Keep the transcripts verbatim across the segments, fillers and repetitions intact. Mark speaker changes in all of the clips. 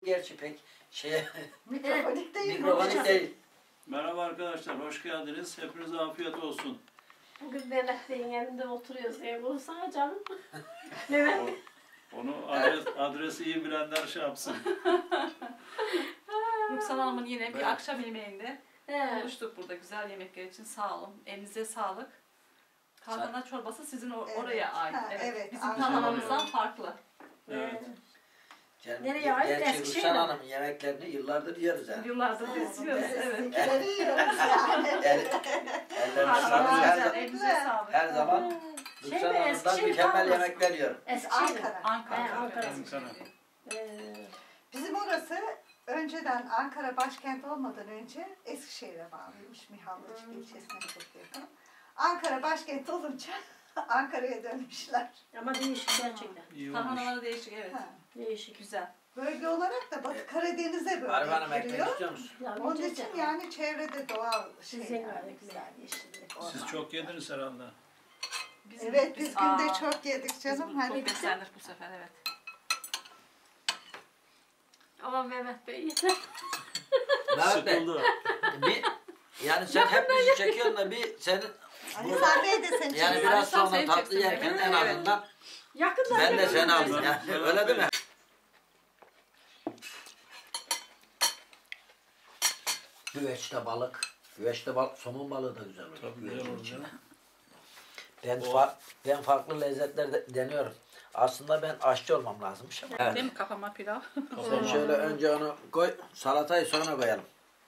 Speaker 1: Gerçi pek şey
Speaker 2: Mikrofonik değil.
Speaker 1: mikrofonik değil.
Speaker 3: Merhaba arkadaşlar, hoş geldiniz. Hepinize afiyet olsun.
Speaker 4: Bugün Mehmet Bey'in yanında oturuyoruz. Ev olsana canım. Mehmet Bey.
Speaker 3: Onu adres, adresi iyi bilenler şey yapsın.
Speaker 5: Rüksan Hanım'ın yine
Speaker 1: Evet.
Speaker 5: bir akşam yemeğinde
Speaker 4: He.
Speaker 5: buluştuk burada güzel yemekler için. Sağ olun. Elinize sağlık. Tarhana çorbası sizin or-
Speaker 2: Evet.
Speaker 5: oraya ait.
Speaker 2: Ha,
Speaker 5: Evet.
Speaker 2: evet,
Speaker 5: Bizim
Speaker 2: aynen.
Speaker 5: tarhanamızdan farklı.
Speaker 3: Evet.
Speaker 1: Ger-
Speaker 4: Nereye ait?
Speaker 1: Gerçi
Speaker 4: Eskişehir'e
Speaker 1: Rüstan
Speaker 4: mi?
Speaker 1: Hanım'ın yemeklerini yıllardır yiyoruz yani.
Speaker 5: Yıllardır biz yiyoruz. Evet.
Speaker 2: Bizimkileri yiyoruz yani.
Speaker 1: El, ellerine sağlık.
Speaker 5: Tarhanamız
Speaker 1: Her,
Speaker 5: güzel.
Speaker 1: zaman-
Speaker 5: Elinize sağlık.
Speaker 1: her zaman
Speaker 4: Şey
Speaker 1: Rüstan
Speaker 4: mi,
Speaker 1: Hanım'dan
Speaker 4: Eskişehir
Speaker 1: mükemmel
Speaker 4: kalmasın?
Speaker 1: yemekler yiyorum.
Speaker 4: Eskişehir.
Speaker 2: Ankara.
Speaker 5: Ankara.
Speaker 4: He, Ankara.
Speaker 3: Ankara.
Speaker 4: Ee,
Speaker 2: Bizim orası önceden Ankara başkent olmadan önce Eskişehir'e bağlıymış. Mihallıcık ilçesine çok yakın. Ankara başkent olunca Ankara'ya dönmüşler.
Speaker 4: ama değişik gerçekten.
Speaker 3: İyi olmuş.
Speaker 5: Tarhanaları değişik, evet.
Speaker 2: Ha.
Speaker 4: Değişik.
Speaker 5: Güzel.
Speaker 2: Bölge olarak da Batı Karadeniz'e böyle
Speaker 1: Arif Hanım ekmek
Speaker 2: giriyor.
Speaker 1: istiyor musun?
Speaker 4: Yani
Speaker 2: Onun
Speaker 4: çok
Speaker 2: için
Speaker 4: güzel.
Speaker 2: yani çevrede doğal
Speaker 4: Sizin
Speaker 2: şeyler,
Speaker 4: öyle
Speaker 2: güzel yeşillik,
Speaker 3: Siz
Speaker 2: orman.
Speaker 3: çok yediniz herhalde.
Speaker 5: Bizim-
Speaker 2: Evet biz günde
Speaker 5: Aa,
Speaker 2: çok yedik
Speaker 5: biz
Speaker 2: canım.
Speaker 5: bu-
Speaker 2: Hani
Speaker 5: Çok beslendik bu sefer, evet.
Speaker 4: Ama Mehmet Bey.
Speaker 1: Mehmet Bey,
Speaker 3: Sıkıldı.
Speaker 1: bir, yani sen hep bizi çekiyorsun da bir senin
Speaker 2: Ali Sami de seni
Speaker 1: yani
Speaker 2: çekiyor.
Speaker 1: biraz
Speaker 5: Sen
Speaker 1: sonra
Speaker 5: seni
Speaker 1: tatlı
Speaker 5: çeksin
Speaker 1: yerken
Speaker 5: beni.
Speaker 1: en
Speaker 5: Evet.
Speaker 1: azından
Speaker 4: Yakında.
Speaker 1: ben de
Speaker 4: yakında.
Speaker 1: seni aldım.
Speaker 3: Ben-
Speaker 1: Yani.
Speaker 3: ben-
Speaker 1: Öyle değil mi? Güveçte balık. Güveçte balık, somun balığı da güzel oluyor.
Speaker 3: Tabii
Speaker 1: güvecin
Speaker 3: güzel olur
Speaker 1: içinde.
Speaker 3: canım.
Speaker 1: Ben,
Speaker 3: O-
Speaker 1: fa- ben farklı lezzetler de deniyorum. Aslında ben aşçı olmam lazımmış ama. Evet.
Speaker 5: Değil mi kafama pilav?
Speaker 1: Sen şöyle önce onu koy, salatayı sonra koyalım.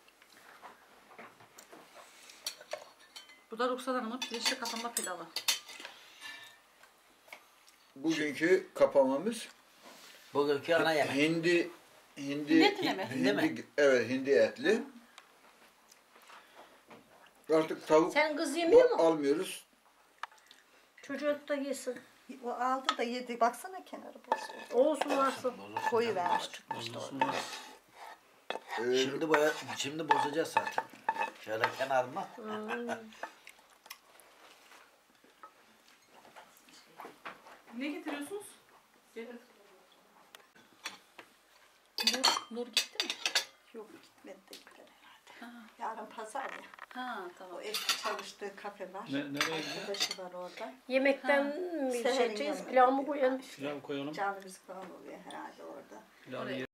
Speaker 5: Bu da Rüksan Hanım'ın pirinçli kafama pilavı.
Speaker 6: Bugünkü kapamamız
Speaker 1: Bugünkü ana yemek.
Speaker 6: hindi hindi
Speaker 5: Hindi etine mi?
Speaker 1: Hindi mi?
Speaker 6: evet hindi etli. Artık tavuk
Speaker 4: Sen kız yemiyor
Speaker 6: bu-
Speaker 4: mu?
Speaker 6: almıyoruz.
Speaker 4: Çocuk da yesin.
Speaker 2: O aldı da yedi. Baksana kenarı bozuyor.
Speaker 4: Olsun varsın.
Speaker 2: Koyu vermiş tutmuştu orada.
Speaker 6: Ee,
Speaker 1: Şimdi boya, şimdi bozacağız zaten. Şöyle kenarına.
Speaker 5: Ne getiriyorsunuz? Gelin. Nur, Nur gitti mi?
Speaker 2: Yok gitmedi de gider herhalde.
Speaker 5: Ha,
Speaker 2: Yarın pazar ya.
Speaker 5: ha tamam.
Speaker 2: O eski çalıştığı kafe var.
Speaker 3: Ne, nereye gidiyor?
Speaker 2: Arkadaşı var orada.
Speaker 4: Yemekten mi
Speaker 2: Seher'in
Speaker 4: şey edeceğiz?
Speaker 2: yanına
Speaker 4: Pilav mı
Speaker 2: gidiyor.
Speaker 4: koyalım?
Speaker 3: Pilav koyalım.
Speaker 2: Canlı müzik falan oluyor herhalde orada.
Speaker 3: Pilavı
Speaker 5: Oraya.